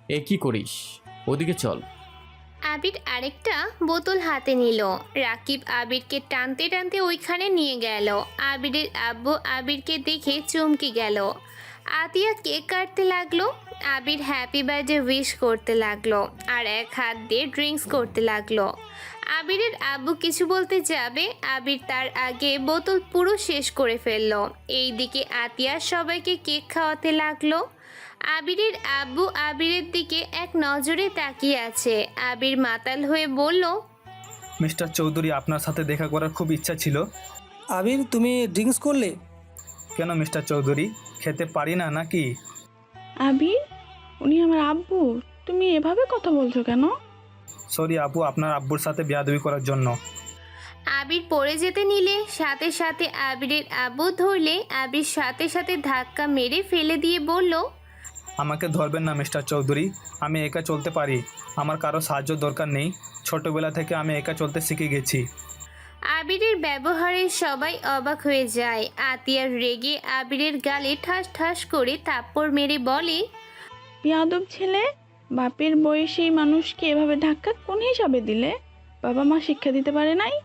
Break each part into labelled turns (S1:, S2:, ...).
S1: এ কি করিস? ওদিকে চল।
S2: আবির আরেকটা বোতল হাতে নিল। রাকিব আবিরকে টানতে টানতে ওইখানে নিয়ে গেল। আবিরের আব্বু আবিরকে দেখে চমকে গেল। আতিয়া কেক কাটতে লাগলো। আবির হ্যাপি বার্থডে উইশ করতে লাগলো আর এক হাত দিয়ে ড্রিঙ্কস করতে লাগলো। আবিরের আব্বু কিছু বলতে যাবে, আবির তার আগে বোতল পুরো শেষ করে ফেললো। এইদিকে আতিয়া সবাইকে কেক খাওয়াতে লাগলো। আবিরের আব্বু আবিরের দিকে এক নজরে তাকিয়ে আছে। আবির মাতাল হয়ে বলল,
S3: মিস্টার চৌধুরী, আপনার সাথে দেখা করার খুব ইচ্ছা ছিল।
S4: আবির, তুমি ড্রিঙ্কস করলে?
S3: কেন মিস্টার চৌধুরী, খেতে পারি না নাকি?
S5: আবির, উনি আমার আব্বু, তুমি এভাবে কথা বলছো কেন?
S3: সরি আপু, আপনার আব্বুর সাথে বেয়াদবি করার জন্য।
S2: আবির পড়ে যেতে নিলে সাথে সাথে আবিরের আব্বু ধরলে আবির সাথে সাথে ধাক্কা মেরে ফেলে দিয়ে বলল,
S3: আমাকে ধরবেন না মিস্টার চৌধুরী, আমি একা চলতে পারি, আমার কারো সাহায্য দরকার নেই। ছোটবেলা থেকে আমি একা চলতে শিখে গেছি।
S2: আবিরের ব্যবহারে সবাই অবাক হয়ে যায়। আতিয়ার রেগে আবিরের গালে ঠাস ঠাস করে থাপ্পড় মেরে বলে,
S5: বেয়াদব ছেলে, বাপের বয়সী মানুষকে এভাবে ধাক্কা কোন হিসাবে দিলে? বাবা মা শিক্ষা দিতে পারে নাই?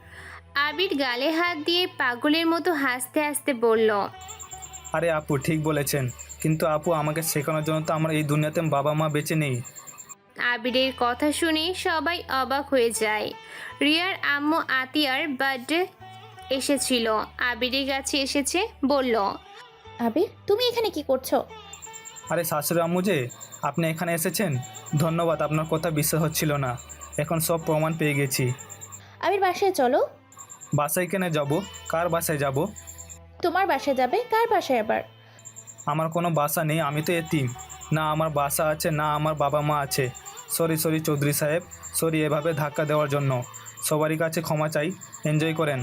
S2: আবির গালে হাত দিয়ে পাগলের মতো হাসতে হাসতে বলল,
S3: আরে আপু ঠিক বলেছেন, কিন্তু আপু আমাকে শেখানোর জন্য তো আমার এই দুনিয়াতে বাবা মা বেঁচে নেই।
S2: আবিরের কথা শুনে সবাই অবাক হয়ে যায়। রিয়ার আম্মু আতিয়ার বার্থডে এসেছিল, আবিরের কাছে এসেছে, বলল,
S6: আবির, তুমি এখানে কি করছো?
S3: আরে শাশুড়ি আম্মু যে, আপনি এখানে এসেছেন, ধন্যবাদ। আপনার কথা বিশ্বাস হচ্ছিল না, এখন সব প্রমাণ পেয়ে গেছি।
S6: আবির, বাসায় চলো।
S3: বাসায় কেন যাব? কার বাসায় যাব?
S6: তোমার বাসায় যাবে? কার বাসায় আবার?
S3: আমার কোনো বাসা নেই, আমি তো এতিম। না আমার বাসা আছে, না আমার বাবা মা আছে। সরি সরি চৌধুরী সাহেব, সরি এভাবে ধাক্কা দেওয়ার জন্য। সবারই কাছে ক্ষমা চাই, এনজয় করেন।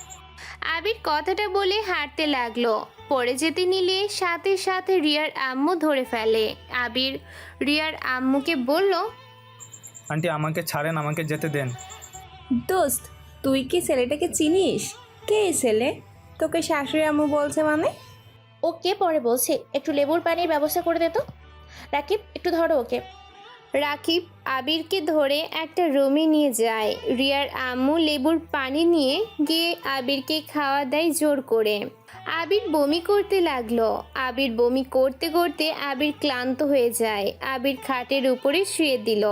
S2: আবির কথাটা বলে হাঁটতে লাগলো। পড়ে যেতে নিলে সাথে সাথে রিয়ার আম্মু ধরে ফেলে। আবির রিয়ার আম্মুকে বলল,
S3: আন্টি আমাকে ছাড়েন, আমাকে যেতে দেন।
S7: দোস্ত, তুই কি ছেলেটাকে চিনিস? কে এই ছেলে? তোকে শাশুড়ি আম্মু বলছে মানে?
S6: ও কে পরে বলছে? একটু লেবুর পানির ব্যবস্থা করে দে তো। রাকিব, একটু ধরো ওকে।
S2: রাকিব আবিরকে ধরে একটা রুমে নিয়ে যায়। রিয়ার আম্মু লেবুর পানি নিয়ে গিয়ে আবিরকে খাওয়া দেয় জোর করে। আবির বমি করতে লাগলো। আবির বমি করতে করতে আবির ক্লান্ত হয়ে যায়। আবির খাটের উপরে শুয়ে দিল।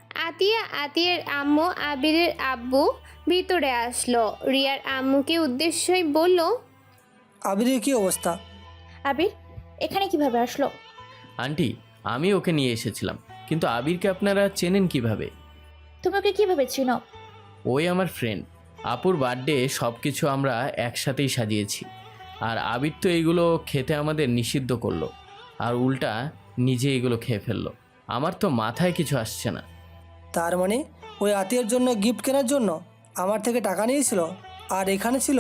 S2: আতিয়ার আম্মু আবিরের আব্বু ভিতরে আসলো। রিয়ার আম্মুকে উদ্দেশ্যই বলল,
S4: আবিরের কি অবস্থা?
S6: আবির এখানে কিভাবে আসলো?
S1: আন্টি, আমি ওকে নিয়ে এসেছিলাম, কিন্তু আবিরকে আপনারা চেনেন কিভাবে?
S6: তুমি ওকে কিভাবে চিনো?
S1: ওই আমার ফ্রেন্ড। আপুর বার্থডে সব কিছু আমরা একসাথেই সাজিয়েছি, আর আবির তো এইগুলো খেতে আমাদের নিষিদ্ধ করলো, আর উল্টা নিজে এগুলো খেয়ে ফেললো। আমার তো মাথায় কিছু আসছে না।
S4: তার মানে ওই আত্মীয়ের জন্য গিফট কেনার জন্য আমার থেকে টাকা নিয়েছিল আর এখানে ছিল?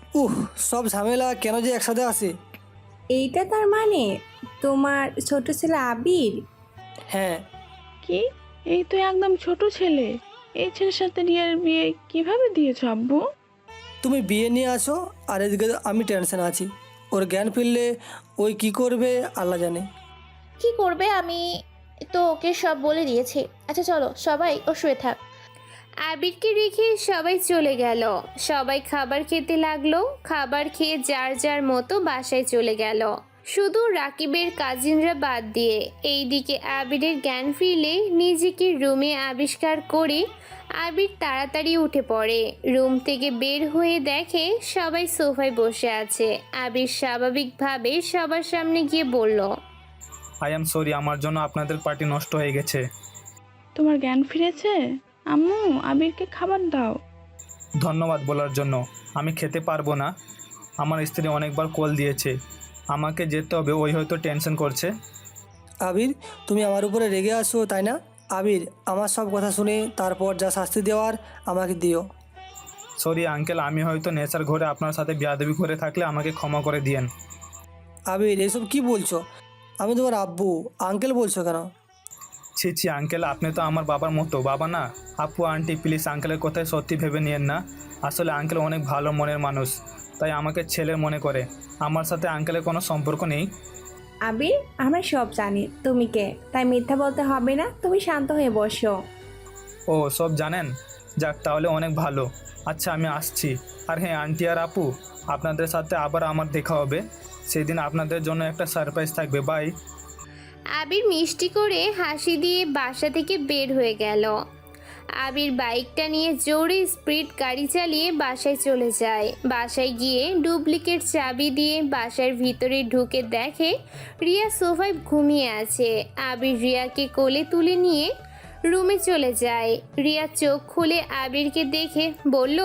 S4: সব ঝামেলা কেন যে একসাথে আসে?
S7: এইটা তার মানে তোমার ছোট ছেলে আবির?
S4: হ্যাঁ।
S5: কি? এই তো একদম ছোট ছেলে। এই ছেলের সাথে রিয়ার বিয়ে কিভাবে দিয়েছো আব্বু?
S4: তুমি বিয়ে নিয়ে আসো আর এদিকে আমি টেনশন আছি। ওর জ্ঞান ফিরলে ওই কি করবে আল্লাহ জানে।
S6: কি করবে? আমি তো ওকে সব বলে দিয়েছি। আচ্ছা চলো সবাই, ও শুয়ে থাক।
S2: আবিরকে রেখে সবাই চলে গেল। সবাই খাবার খেতে লাগলো। খাবার খেয়ে যার যার মতো বাসায় চলে গেল, শুধু রাকিবের কাজিনরা বাদ দিয়ে। এইদিকে আবিরের জ্ঞান ফিরলে নিজেকে রুমে আবিষ্কার করে আবির তাড়াতাড়ি উঠে পড়ে। রুম থেকে বের হয়ে দেখে সবাই সোফায় বসে আছে। আবির স্বাভাবিকভাবে সবার সামনে গিয়ে বলল,
S3: আই এম সরি, আমার জন্য আপনাদের পার্টি নষ্ট হয়ে গেছে।
S5: তোমার জ্ঞান ফিরেছে? আম্মু, আবিরকে খাবার দাও।
S3: ধন্যবাদ বলার জন্য। আমি খেতে পারবো না, আমার স্ত্রী অনেকবার কল দিয়েছে, আমাকে যেতে হবে, ওই হয়তো টেনশন করছে।
S4: আবির, তুমি আমার উপরে রেগে আসো তাই না? আবির, আমার সব কথা শুনে তারপর যা শাস্তি দেওয়ার আমাকে দিও।
S3: সরি আঙ্কেল, আমি হয়তো নেশার ঘরে আপনার সাথে বেয়াদবি করে থাকলে আমাকে ক্ষমা করে দিয়েন।
S4: আবির, এসব কি বলছো? আমি তোমার আব্বু, আঙ্কেল বলছো কেন?
S3: ছি ছি আঙ্কেল, আপনি তো আমার বাবার মতো। বাবা না? আপু আন্টি প্লিজ আঙ্কেলের কথায় সত্যি ভেবে নিয়েন না। আসলে আঙ্কেল অনেক ভালো মনের মানুষ, তাই আমাকে ছেলের মনে করে। আমার সাথে আঙ্কেলের কোনো সম্পর্ক নেই।
S7: আবির, আমরা সব জানি তুমি কে, তাই মিথ্যা বলতে হবে না। তুমি শান্ত হয়ে বসো।
S3: ও সব জানেন? যাক, তাহলে অনেক ভালো। আচ্ছা, আমি আসছি। আর হ্যাঁ আন্টি আর আপু, আপনাদের সাথে আবার আমার দেখা হবে। সেদিন আপনাদের জন্য একটা সারপ্রাইজ থাকবে। বাই।
S2: আবির মিষ্টি করে হাসি দিয়ে বাসা থেকে বের হয়ে গেল। আবির বাইকটা নিয়ে জোরে স্পিড গাড়ি চালিয়ে বাসায় চলে যায়। বাসায় গিয়ে ডুপ্লিকেট চাবি দিয়ে বাসার ভিতরে ঢুকে দেখে রিয়া সোফায় ঘুমিয়ে আছে। আবির রিয়াকে কোলে তুলে নিয়ে রুমে চলে যায়। রিয়া চোখ খুলে আবিরকে দেখে বলল,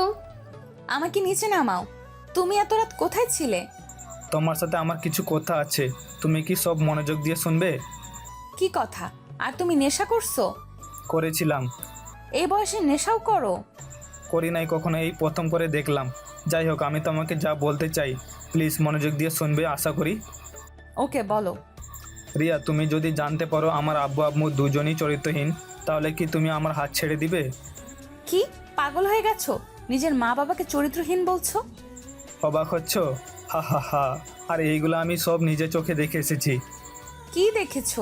S8: আমাকে নিচে নামাও। তুমি এত রাত কোথায় ছিলে?
S3: তোমার সাথে আমার কিছু কথা আছে, তুমি কি সব মনোযোগ দিয়ে শুনবে?
S8: কি কথা? আর তুমি নেশা করছো?
S3: করেছিলাম।
S8: এই বয়সে নেশাও করো?
S3: করি নাই কখনো, এই প্রথম করে দেখলাম। যাই হোক, আমি তোমাকে যা বলতে চাই প্লিজ মনোযোগ দিয়ে শুনবে আশা করি।
S8: ওকে, বলো।
S3: রিয়া, তুমি যদি জানতে পারো আমার আব্বু আম্মু দুজনই চরিত্রহীন, তাহলে কি তুমি আমার হাত ছেড়ে দিবে?
S8: কি পাগল হয়ে গেছো? নিজের মা বাবাকে চরিত্রহীন বলছো?
S3: অবাক হচ্ছ? হা হা হা। আর এইগুলো আমি সব নিজে চোখে দেখে এসেছি।
S8: কি দেখেছো?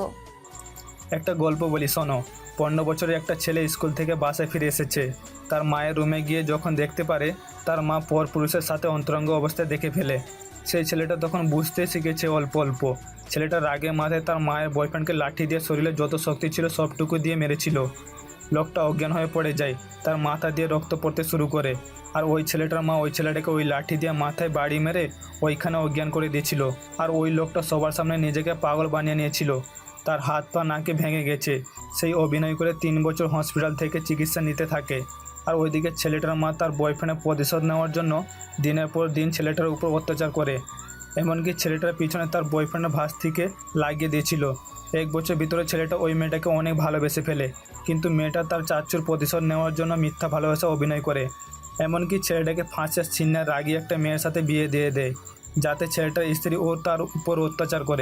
S3: একটা গল্প বলি, শোনো। 15 বছরের একটা ছেলে স্কুল থেকে বাসায় ফিরে এসেছে। তার মায়ের রুমে গিয়ে যখন দেখতে পারে তার মা পর পুরুষের সাথে অন্তরঙ্গ অবস্থায় দেখে ফেলে, সেই ছেলেটা তখন বুঝতে শিখেছে অল্প অল্প। ছেলেটা রাগে মাথায় তার মায়ের বয়ফ্রেন্ডকে লাঠি দিয়ে শরীরে যত শক্তি ছিল সবটুকু দিয়ে মেরেছিল। লোকটা অজ্ঞান হয়ে পড়ে যায়, তার মাথা দিয়ে রক্ত পড়তে শুরু করে। আর ওই ছেলেটার মা ওই ছেলেটাকে ওই লাঠি দিয়ে মাথায় বাড়ি মেরে ওইখানে অজ্ঞান করে দিয়েছিল। আর ওই লোকটা সবার সামনে নিজেকে পাগল বানিয়ে নিয়েছিল। তার হাত পা নাকে ভেঙে গেছে। সেই অভিনয় করে 3 বছর হসপিটাল থেকে চিকিৎসা নিতে থাকে। আর ওইদিকে ছেলেটার মা তার বয়ফ্রেন্ডের প্রতিশোধ নেওয়ার জন্য দিনের পর দিন ছেলেটার উপর অত্যাচার করে। এমনকি ছেলেটার পিছনে তার বয়ফ্রেন্ডের ভাস্তিকে লাগিয়ে দিয়েছিল। 1 বছর ভিতরে ছেলেটা ওই মেয়েটাকে অনেক ভালোবেসে ফেলে, কিন্তু মেয়েটা তার চাচুর প্রতিশোধ নেওয়ার জন্য মিথ্যা ভালোবাসা অভিনয় করে। এমনকি ছেলেটাকে ফাঁসের ছিন্নায় রাগি একটা মেয়ের সাথে বিয়ে দিয়ে দেয়, যাতে ছেলেটার স্ত্রী ও তার উপর অত্যাচার করে।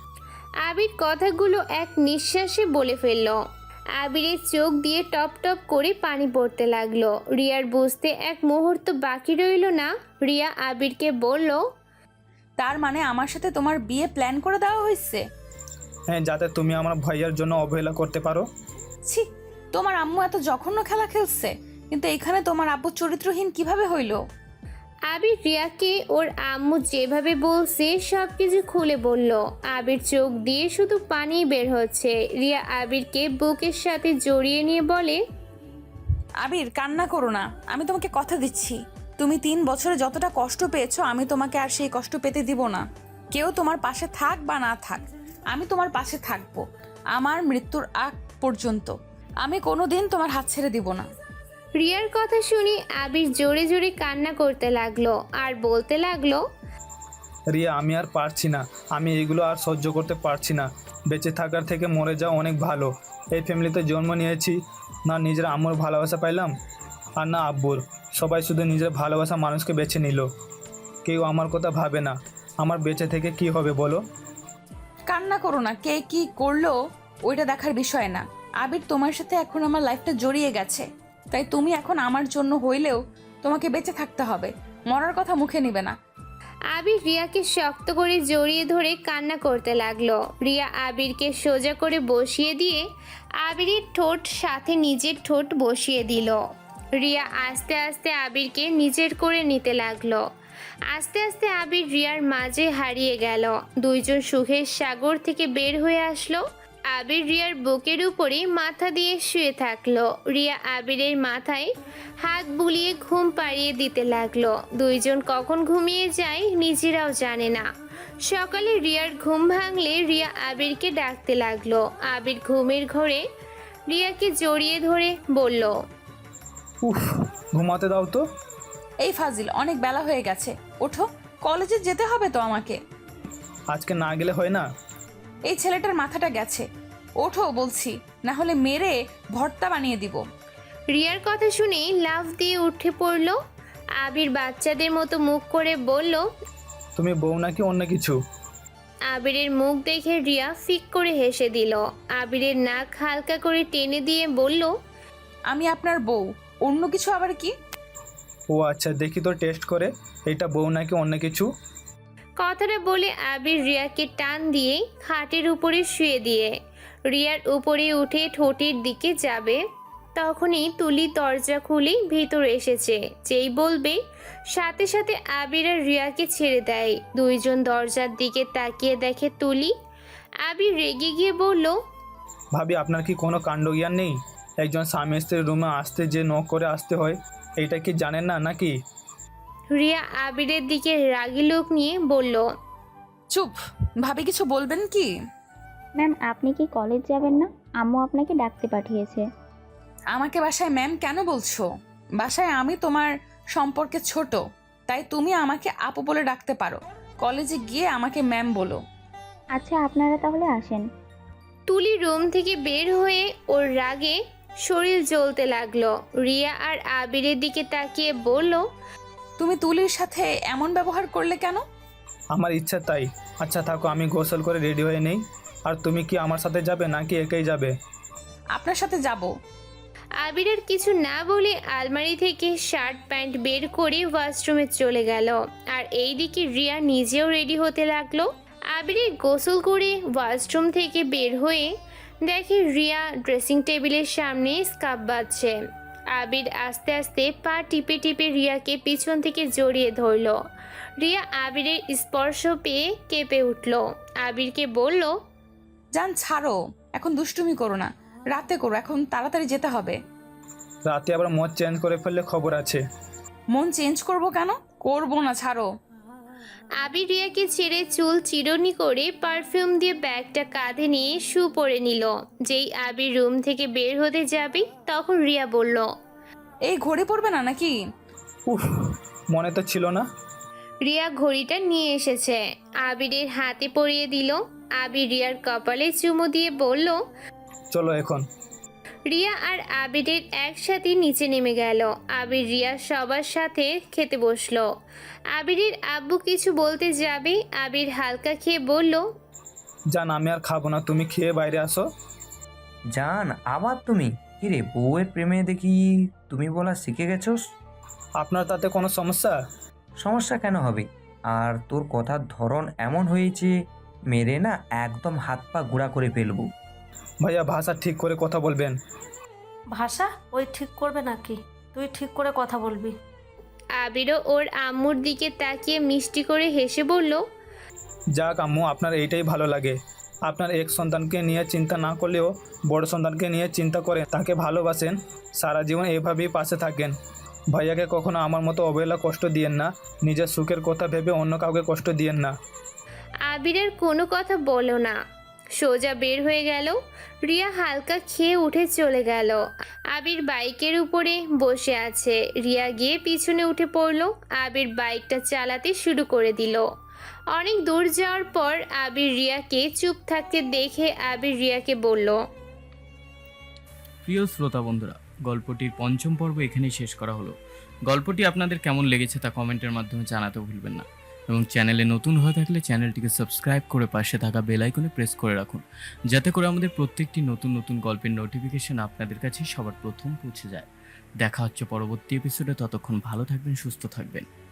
S2: আবির কথাগুলো এক নিঃশ্বাসে বলে ফেলল। আবিরের চোখ দিয়ে টপ টপ করে পানি পড়তে লাগলো। রিয়ার বুঝতে এক মুহূর্ত বাকি রইল না। রিয়া আবিরকে বলল,
S8: তার মানে আমার সাথে তোমার বিয়ে প্ল্যান করে দেওয়া হয়েছে?
S3: হ্যাঁ, যাতে তুমি আমার ভাইয়ার জন্য অবহেলা করতে পারো।
S8: ছি, তোমার আম্মু এত জঘন্য খেলা খেলছে, কিন্তু এখানে তোমার আব্বু চরিত্রহীন কিভাবে হইলো?
S2: আবির রিয়াকে ওর আম্মু যেভাবে বলছে সব কিছু খুলে বলল। আবির চোখ দিয়ে শুধু পানি বের হচ্ছে। রিয়া আবিরকে বুকের সাথে জড়িয়ে নিয়ে বলে,
S8: আবির, কান্না করো না। আমি তোমাকে কথা দিচ্ছি, তুমি 3 বছরে যতটা কষ্ট পেয়েছো আমি তোমাকে আর সেই কষ্ট পেতে দিব না। কেউ তোমার পাশে থাক বা না থাক, আমি তোমার পাশে থাকবো আমার মৃত্যুর আগ পর্যন্ত। আমি কোনোদিন তোমার হাত ছেড়ে দিব না।
S2: রিয়ার কথা শুনে আবির জোরে জোরে কান্না করতে লাগলো আর বলতে লাগলো,
S3: রিয়া, আমি আর পারছি না। আমি এগুলো আর সহ্য করতে পারছি না। বেঁচে থাকার থেকে মরে যাওয়া অনেক ভালো। এই ফ্যামিলিতে জন্ম নিয়েছি, না নিজের আম্মুর ভালোবাসা পাইলাম আর না আব্বুর। সবাই শুধু নিজের ভালোবাসা মানুষকে বেছে নিল, কেউ আমার কথা ভাবে না। আমার বেঁচে থেকে কি হবে বলো?
S8: কান্না করো না, কে কি করলো ওইটা দেখার বিষয় না। আবির, তোমার সাথে এখন আমার লাইফটা জড়িয়ে গেছে, তাই তুমি এখন আমার জন্য হইলেও তোমাকে বেঁচে থাকতে হবে। মরার কথা মুখে নিবে না।
S2: আবির রিয়াকে শক্ত করে জড়িয়ে ধরে কান্না করতে লাগলো। রিয়া আবিরকে সোজা করে বসিয়ে দিয়ে আবিরের ঠোঁট সাথে নিজের ঠোঁট বসিয়ে দিল। রিয়া আস্তে আস্তে আবিরকে নিজের করে নিতে লাগলো। আস্তে আস্তে আবির রিয়ার মাঝে হারিয়ে গেল। দুইজন সুখের সাগর থেকে বের হয়ে আসলো। আবির রিয়ার বুকের উপরে মাথা দিয়ে শুয়ে থাকলো। রিয়া আবিরের মাথায় হাত বুলিয়ে ঘুম পাড়িয়ে দিতে লাগলো। দুইজন কখন ঘুমিয়ে যায় নিজেরাও জানে না। সকালে রিয়ার ঘুম ভাঙলে রিয়া আবিরকে ডাকতে লাগলো। আবির ঘুমের ঘোরে রিয়াকে জড়িয়ে ধরে বলল,
S3: উফ, ঘুমাতে দাও তো।
S8: এই ফাজিল, অনেক বেলা হয়ে গেছে, ওঠো, কলেজে যেতে হবে তো আমাকে।
S3: আজকে না গেলে হয় না?
S8: এই ছেলেটার মাথাটা গেছে, ওঠো বলছি, না হলে মেরে ভর্তা বানিয়ে দিব।
S2: রিয়ার কথা শুনে লাফ দিয়ে উঠে পড়ল। আবির বাচ্চাদের মতো মুখ করে বলল,
S3: তুমি বউ নাকি অন্য কিছু?
S2: আবিরের মুখ দেখে রিয়া ফিক করে হেসে দিল। আবিরের নাক হালকা করে টেনে দিয়ে বলল,
S8: আমি আপনার বউ, অন্য কিছু আবার কি?
S3: ও আচ্ছা, দেখি তো টেস্ট করে, এটা বউ নাকি অন্য কিছু।
S2: কথাটা বলে আবির রিয়াকে টান দিয়ে খাটের উপরে শুয়ে দিয়ে রিয়ার উপরে উঠে ঠোঁটের দিকে যাবে, তখনই তুলি দরজা খুলে ভিতরে এসেছে। যেই বলবে সাথে সাথে আবির আর রিয়াকে ছেড়ে দেয়। দুইজন দরজার দিকে তাকিয়ে দেখে তুলি। আবির রেগে গিয়ে বলল,
S3: ভাবি আপনার কি কোনো কাণ্ডজ্ঞান নেই? একজন স্বামী স্ত্রীর রুমে আসতে যে নক করে আসতে হয়, এইটা কি জানেন না নাকি?
S2: রিয়া আবিরের দিকে রাগী লোক নিয়ে বলল,
S8: চুপ, ভাবি কিছু বলবেন কি?
S9: ম্যাম আপনি কি কলেজ যাবেন না? আম্মু আপনাকে ডাকতে পাঠিয়েছে।
S8: আমাকে বাসায় ম্যাম কেন বলছো? বাসায় আমি তোমার সম্পর্কে ছোট, তাই তুমি আমাকে আপু বলে ডাকতে পারো। কলেজে গিয়ে আমাকে ম্যাম বলো।
S9: আচ্ছা আপনারা তাহলে আসেন।
S2: তুলি রুম থেকে বের হয়ে ওর রাগে শরীর জ্বলতে লাগলো। রিয়া আর আবিরের দিকে তাকিয়ে বলল,
S8: তুমি তুলির সাথে এমন ব্যবহার করলে কেন?
S3: আমার ইচ্ছা তাই। আচ্ছা থাকো, আমি গোসল করে রেডি হয়ে নেই। আর তুমি কি আমার সাথে যাবে নাকি একাই যাবে?
S8: আপনার সাথে যাব।
S2: আবিরের কিছু না বলে আলমারি থেকে শার্ট প্যান্ট বের করে ওয়াশরুমে চলে গেল। আর এইদিকে রিয়া নিজেও রেডি হতে লাগলো। আবিরের গোসল করে ওয়াশরুম থেকে বের হয়ে দেখে রিয়া ড্রেসিং টেবিলের সামনে স্কার্ফ বাঁধছে। আবির আস্তে আস্তে পা টিপে টিপে রিয়াকে পিছন থেকে জড়িয়ে ধরল। রিয়া আবিরের স্পর্শ পেয়ে কেঁপে উঠল। আবিরকে বলল,
S8: জান ছাড়ো, এখন দুষ্টুমি করো না, রাতে করো, এখন তাড়াতাড়ি যেতে হবে।
S3: রাতে আবার মদ চেঞ্জ করে ফেললে খবর আছে।
S8: মন চেঞ্জ করব কেন? করবো না, ছাড়ো।
S2: আবির রিয়াকে ছেড়ে চুল চিরুনি করে পারফিউম দিয়ে ব্যাগটা কাঁধে নিয়ে শু পরে নিল। যেই আবির রুম থেকে বের হতে যাবে তখন রিয়া বলল,
S8: এই ঘড়ি পড়বে না নাকি?
S3: উফ, মনে তো ছিল না।
S2: রিয়া ঘড়িটা নিয়ে এসেছে, আবিরের হাতে পরিয়ে দিল। আবির রিয়ার কপালে চুমু দিয়ে বলল,
S3: চলো এখন।
S2: রিয়া আর আবিরের একসাথে নিচে নেমে গেল। আবির রিয়া সবার সাথে খেতে বসলো। আবিরের আব্বু কিছু বলতে যাবে, আবির হালকা খেয়ে বলল,
S3: জান আমি আর খাবো না, তুমি খেয়ে বাইরে আসো।
S10: জান আবার তুমি? কিরে বউয়ের প্রেমে দেখি তুমি বলা শিখে গেছোস।
S3: আপনার তাতে কোনো সমস্যা?
S10: সমস্যা কেন হবে? আর তোর কথার ধরন এমন হয়েছে, মেরে না একদম হাত পা গুঁড়া করে ফেলবো।
S3: ভাইয়া ভাষা ঠিক করে কথা বলবেন।
S11: ভাষা ওই ঠিক করবে নাকি? তুই ঠিক করে কথা বলবি।
S2: আবিরও ওর আম্মুর দিকে তাকিয়ে মিষ্টি করে হেসে বলল,
S3: যাক আম্মু, আপনার এইটাই ভালো লাগে। আপনার এক সন্তানকে নিয়ে চিন্তা না করলেও বড় সন্তানকে নিয়ে চিন্তা করেন, তাকে ভালোবাসেন, সারা জীবন এভাবেই পাশে থাকেন। ভাইয়াকে কখনো আমার মতো অবহেলা কষ্ট দিয়েন না, নিজের সুখের কথা ভেবে অন্য কাউকে কষ্ট দিয়েন না।
S2: আবিরের কোনো কথা বলো না, সোজা বের হয়ে গেল। রিয়া হালকা খেয়ে উঠে চলে গেল। আবির বাইকের উপরে বসে আছে। রিয়া গিয়ে পিছনে উঠে পড়ল। আবির বাইকটা চালাতে শুরু করে দিল। অনেক দূর যাওয়ার পর আবির রিয়াকে চুপ থাকতে দেখে আবির রিয়াকে বলল,
S1: প্রিয় শ্রোতা বন্ধুরা, গল্পটির পঞ্চম পর্ব এখানেই শেষ করা হলো। গল্পটি আপনাদের কেমন লেগেছে তা কমেন্টের মাধ্যমে জানাতে ভুলবেন না, এবং চ্যানেলে নতুন হয়ে থাকলে চ্যানেলটিকে সাবস্ক্রাইব করে পাশে থাকা বেল আইকনে প্রেস করে রাখুন, যাতে করে আমাদের প্রত্যেকটি নতুন নতুন গল্পের নোটিফিকেশন আপনাদের কাছে সবার প্রথম পৌঁছে যায়। দেখা হচ্ছে পরবর্তী এপিসোডে, ততক্ষণ ভালো থাকবেন, সুস্থ থাকবেন।